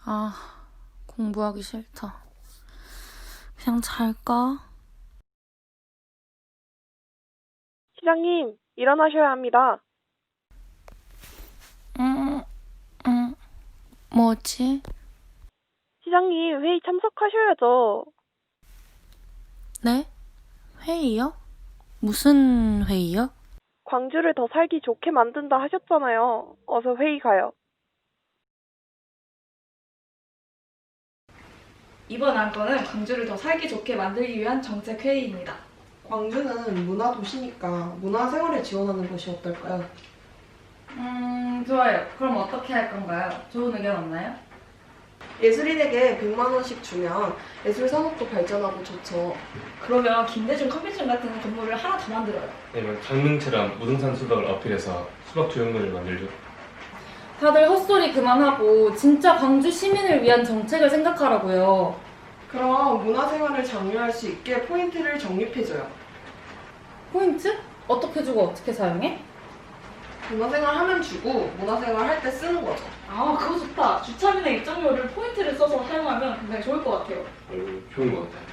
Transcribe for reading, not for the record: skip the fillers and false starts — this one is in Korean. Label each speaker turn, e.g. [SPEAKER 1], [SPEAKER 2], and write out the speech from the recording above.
[SPEAKER 1] 아, 공부하기 싫다. 그냥 잘까?
[SPEAKER 2] 시장님, 일어나셔야 합니다.
[SPEAKER 1] 응, 응. 뭐지?
[SPEAKER 2] 시장님, 회의 참석하셔야죠.
[SPEAKER 1] 네? 회의요? 무슨 회의요?
[SPEAKER 2] 광주를 더 살기 좋게 만든다 하셨잖아요. 어서 회의 가요.
[SPEAKER 3] 이번 안건은 광주를 더 살기 좋게 만들기 위한 정책 회의입니다.
[SPEAKER 4] 광주는 문화 도시니까 문화 생활을 지원하는 것이 어떨까요?
[SPEAKER 3] 좋아요. 그럼 어떻게 할 건가요? 좋은 의견 없나요?
[SPEAKER 4] 예술인에게 100만 원씩 주면 예술 산업도 발전하고 좋죠.
[SPEAKER 3] 그러면 김대중 커피숍 같은 건물을 하나 더 만들어요.
[SPEAKER 5] 아니면 장명채랑 무등산 수박을 어필해서 수박 조형물을 만들죠.
[SPEAKER 3] 다들 헛소리 그만하고 진짜 광주 시민을 위한 정책을 생각하라고요.
[SPEAKER 4] 그럼 문화 생활을 장려할 수 있게 포인트를 적립해줘요.
[SPEAKER 3] 포인트? 어떻게 주고 어떻게 사용해?
[SPEAKER 4] 문화 생활 하면 주고 문화 생활 할 때 쓰는 거죠.
[SPEAKER 3] 아, 그거 좋다. 주차비나 입장료를 포인트를 써서 사용하면 굉장히 좋을 것 같아요.
[SPEAKER 5] 좋은 것 같아요.